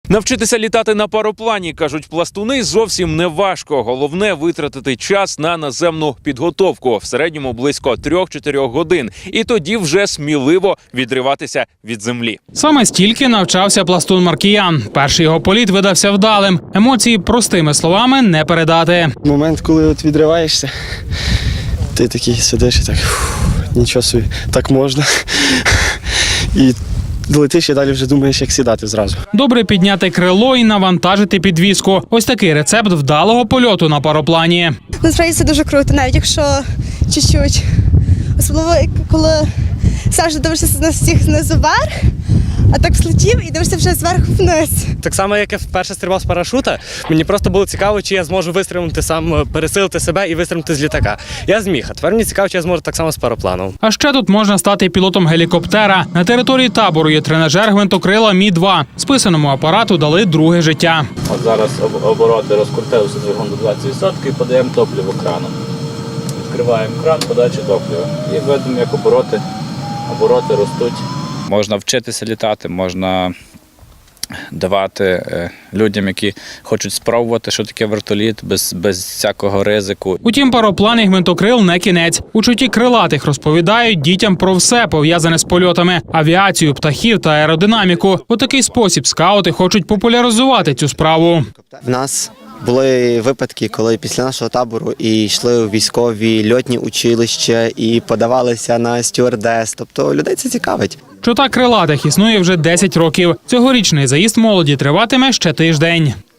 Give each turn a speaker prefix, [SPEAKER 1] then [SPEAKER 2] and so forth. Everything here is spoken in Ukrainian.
[SPEAKER 1] Навчитися літати на пароплані, кажуть пластуни, зовсім не важко. Головне – витратити час на наземну підготовку. В середньому близько 3-4 годин. І тоді вже сміливо відриватися від землі.
[SPEAKER 2] Саме стільки навчався пластун Маркіян. Перший його політ видався вдалим. Емоції простими словами не передати.
[SPEAKER 3] Момент, коли от відриваєшся, ти такий сидиш і так, нічого собі, так можна. І летиш і далі вже думаєш, як сідати зразу.
[SPEAKER 2] Добре підняти крило і навантажити підвіску. Ось такий рецепт вдалого польоту на пароплані.
[SPEAKER 4] Насправді це дуже круто, навіть якщо чуть-чуть. Особливо, коли завжди дивишся на всіх знизу вверх, а так злетів і дивишся вже зверху вниз.
[SPEAKER 5] Так само, як я вперше стрибав з парашута, мені просто було цікаво, чи я зможу вистрибнути сам, пересилити себе і вистрибнути з літака. Я зміг, а тепер мені цікаво, чи я зможу так само з парапланом.
[SPEAKER 2] А ще тут можна стати пілотом гелікоптера. На території табору є тренажер гвинтокрила Мі-2. Списаному апарату дали друге життя.
[SPEAKER 6] От зараз обороти розкрутилися двигун до 20% і подаємо топливо краном. Відкриваємо кран, подача топлива. І видимо, як обороти ростуть. Можна вчитися літати, можна давати людям, які хочуть спробувати, що таке вертоліт, без всякого ризику.
[SPEAKER 2] Утім, пароплан і гвинтокрил не кінець. Учуті крилатих розповідають дітям про все, пов'язане з польотами – авіацію, птахів та аеродинаміку. У такий спосіб скаути хочуть популяризувати цю справу.
[SPEAKER 7] В нас були випадки, коли після нашого табору і йшли у військові льотні училища і подавалися на стюардес. Тобто людей це цікавить.
[SPEAKER 2] Чота крилатих існує вже 10 років. Цьогорічний заїзд молоді триватиме ще тиждень.